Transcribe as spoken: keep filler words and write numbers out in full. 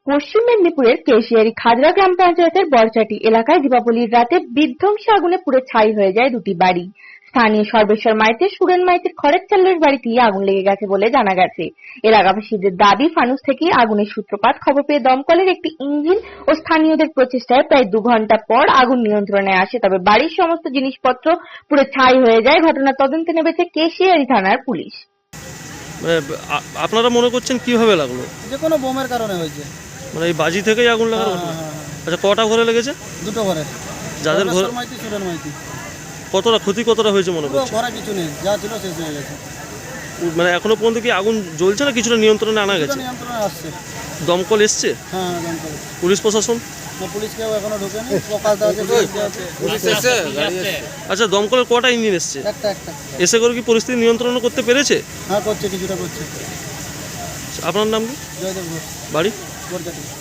পশ্চিম মেদিনীপুরের কেশিয়ারি খাজরা গ্রাম পঞ্চায়েতের বরচাটি এলাকায় দীপাবলির রাতে বিধ্বংসী আগুনে পুড়ে ছাই হয়ে যায় দুটি বাড়ি। স্থানীয় সর্বেশ্বর মাইতি, সুরেন মাইতির খড়ের চালের বাড়িতেই আগুন লেগে গেছে বলে জানা গেছে। এলাকাবাসীদের দাবি, ফানুস থেকে আগুনের সূত্রপাত। খবর পেয়ে দমকলের একটি ইঞ্জিন ও স্থানীয়দের প্রচেষ্টায় প্রায় দু ঘন্টা পর আগুন নিয়ন্ত্রণে আসে। তবে বাড়ির সমস্ত জিনিসপত্র পুড়ে ছাই হয়ে যায়। ঘটনার তদন্তে নেমেছে কেশিয়ারি থানার পুলিশ। আপনারা মনে করছেন কিভাবে লাগলো? যে কোনো বোমের কারণে হয়েছে। মানে এই বাজি থেকেই আগুন লাগানো? আচ্ছা, কটা ঘরে লেগেছে? দুটো ঘরে। যাদের ঘরে মাইতি, সুরেন মাইতি। কতটা ক্ষতি কতটা হয়েছে মনে করছেন? ঘরে কিছু নেই, যা ছিল শেষ হয়ে গেছে। মানে এখনো পর্যন্ত কি আগুন জ্বলছে না কিছুটা নিয়ন্ত্রণে আনা গেছে? নিয়ন্ত্রণে আসছে। দমকল এসছে? হ্যাঁ, দমকল। পুলিশ প্রশাসন? না, পুলিশ কেউ এখনো ঢোকেনি। প্রকাশদা আছে, পুলিশ এসে গাড়ি এসে। আচ্ছা, দমকলের কটা ইঞ্জিন এসছে? একটা একটা। এসে করে কি পরিস্থিতি নিয়ন্ত্রণ করতে পেরেছে? হ্যাঁ, করছে, কিছুটা করছে। আপনার নাম কি? জয়দেব ঘোষ, বাড়ি? বরচাটি।